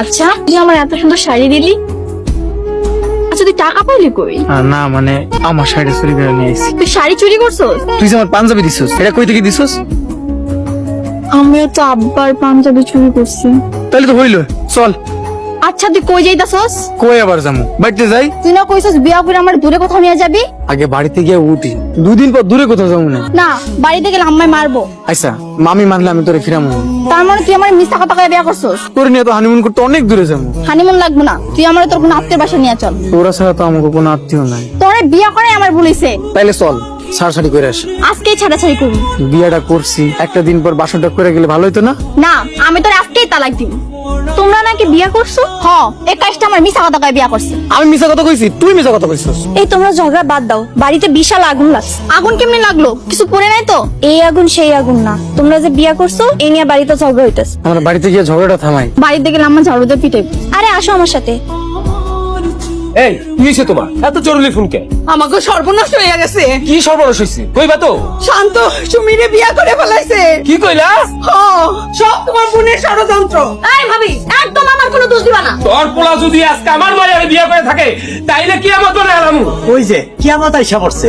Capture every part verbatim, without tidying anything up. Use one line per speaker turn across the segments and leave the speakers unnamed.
আচ্ছা তুই আমার এত সুন্দর শাড়ি দিলি, আচ্ছা তুই টাকা পাইলি কই?
না মানে আমার শাড়ি চুরি করে নিয়ে আইছি।
তুই শাড়ি চুরি করছস?
তুই যে আমার পাঞ্জাবি দিছিস এটা কই থেকে দিছিস?
আমিও তো আব্বার পাঞ্জাবি চুরি করছি।
তাহলে তো হইলো, চল।
আচ্ছা তুই কই যাইতাছস?
কই আবার যামু? বাড়িতে যাই।
তুই না কইছস বিয়া করে আমার দূরে কোথাও নিয়ে যাবি?
আগে বাড়িতে গিয়ে উঠি, দুদিন পর দূরে কোথাও যাবো না।
না বাড়িতে গেলে আম্মায় মারবো।
আচ্ছা মামি মানলে আমি তোরে ফিরামু।
তার মানে তুই আমার মিথ্যা কথা কয়ে বিয়া করছস?
তোর নিয়ে তো হানিমুন করতে অনেক দূরে যাবো।
হানিমুন লাগবো না, তুই আমার তোর কোনো আত্মীয় বাসা নিয়ে চল।
তোরা ছাড়া তো আমাকে কোনো আত্মীয় নাই।
তোরে বিয়া করে আমার বলিছে।
তাইলে চল ছাড়াছাড়ি করে আসি।
আজকেই ছাড়াছাড়ি করবি?
বিয়াটা করছি, একটা দিন পর বাসনটা করে গেলে ভালো হইতো না?
না আমি তোর আজকেই তালাক দিব। তোমরা নাকি বিয়া করছো? হ, এই কাজটা আমার মিথ্যা কথা কয়ে বিয়া করছে।
আমি মিছা কথা কইছি? তুই মিছা কথা কইছিস।
এই তোমরা ঝগড়া বাদ দাও, বাড়িতে বিশাল আগুন লাগছে। আগুন কেমনে লাগলো? কিছু পড়ে নাই তো? এই আগুন সেই আগুন না, তোমরা যে বিয়া করছো এই নিয়ে বাড়িতে ঝগড়া হইতেছে।
আমরা বাড়িতে গিয়ে ঝগড়াটা থামাই।
বাড়িতে গেলে আমার ঝাড়ু দিয়ে পিটাই। আরে আসো আমার সাথে।
এই কি হয়েছে তোমার? এত জরুরি ফোন কে?
আমাকে সর্বনাশ হয়ে গেছে।
কি সর্বনাশ হয়েছে কইবা তো?
শান্ত সুমিরে বিয়া করে ফেলাইছে।
কি কইলা?
হ, সব তোমার বোনের ষড়যন্ত্র।
এই ভাবি একদম আমার কোনো দোষ দিবা না।
তোর পোলা যদি আজকে আমার মায়ের বিয়ে করে থাকে তাইলে কি আমার তোরে আলামু?
ওই যে কিয়ামত আইসা পড়ছে।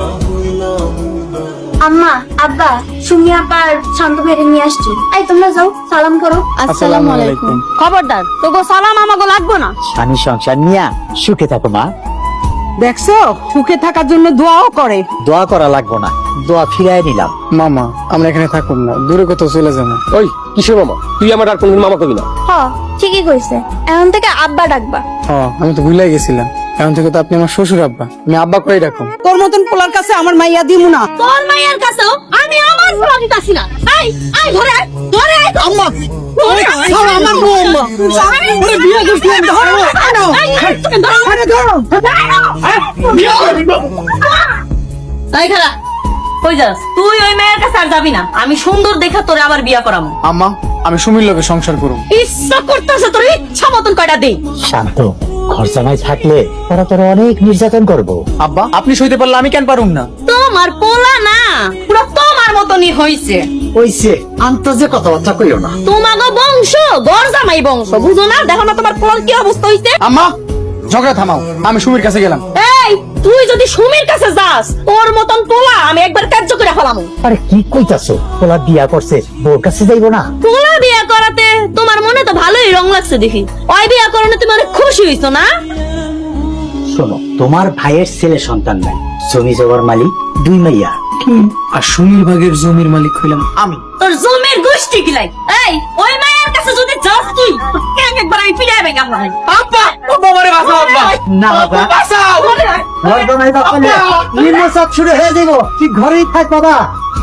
আম্মা আব্বা সুমি আপার শান্ত ভাইরে নিয়ে আসছি। এই তোমরা যাও সালাম করো। আসসালামু আলাইকুম। খবরদার তোগো সালাম আমাগো লাগবো না।
স্বামী সংসার নিয়া সুখে থাকো মা।
দেখছো সুখে থাকার জন্য দোয়াও করে।
দোয়া করা লাগবো না, দোয়া ফিরাই নিলাম।
মামা আমরা এখানে থাকুন না, দূরে কোথাও চলে যাবো।
ওই কিসের মামা? তুই আমার আর কোনদিন মামা কবি না।
হ ঠিকই কইছে, এখন থেকে আব্বা ডাকবা।
হ্যাঁ আমি তো ভুলাই গেছিলাম, এখন থেকে তো আপনি আমার শ্বশুর আব্বা, আমি আব্বা করে রাখুন।
তোর মতন পোলার কাছে আমার মাইয়া দিমু না।
তোর মায়ের কাছেও আমি আমার ফুলা দিতাছি না। এই এই ধরে আয়, ধরে আয়।
আম্মা ওরে আমার বউমা ওরে বিয়া করছিলাম। ধরো আনো
এই তোকে ধরো।
আরে ধরো।
তাই খারাপ কই যাস তুই? ওই মেয়ের কাছে আর যাবি না, আমি সুন্দর দেখা তোরে আবার বিয়া করামু।
আম্মা আমি সুমির লোকে সংসার করুম।
ইচ্ছা করতেছে তোর ইচ্ছা মতন কয়টা দে।
শান্ত, খরচামাই থাকলে ওরা তোর অনেক নির্যাতন করবো।
আব্বা আপনি সইতে পারলে আমি কেন পারুম না?
তোমার পোলা না পুরো তোমার মতনই হইছে।
ওইছে আন্তর্জে কথাবার্তা কইও না।
তোমাগো বংশ গরজামাই বংশ, বুঝো না? দেখো না তোমার পোলার কি অবস্থা হইছে।
আম্মা ঝগড়া থামাও, আমি সুমির কাছে গেলাম।
এই তুই যদি সুমির কাছে যাস তোর মতন পোলা আমি একবার কার্য করে ফেলামু।
আরে কি কইতাছো? পোলা বিয়া করছে, বোর কাছে যাইবো না?
পোলা বিয়া করাতে তোমার মনে তো ভালোই রং লাগছে দেখি। ওই বিয়া করানো তুমি অনেক খুশি হইছো না?
শোনো, তোমার ভাইয়ের ছেলে সন্তান নাই, জমি জমার মালিক দুই মাইয়া।
আর সুমির ভাগের জমির মালিক হইলাম আমি।
তোর জমির গোষ্ঠী কিলাই। এই ওই মায়ের কাছে যদি যাস তুই তোকে একবার আমি পিড়াই বেঙ্গা মারি।
আব্বা ও বাবারে বাঁচাও আব্বা।
না বাবা,
বাঁচাও।
ঘর বানাই বাবা, নিম্ন চাপ শুরু হয়ে যাবো। তুই ঘরেই থাক বাবা।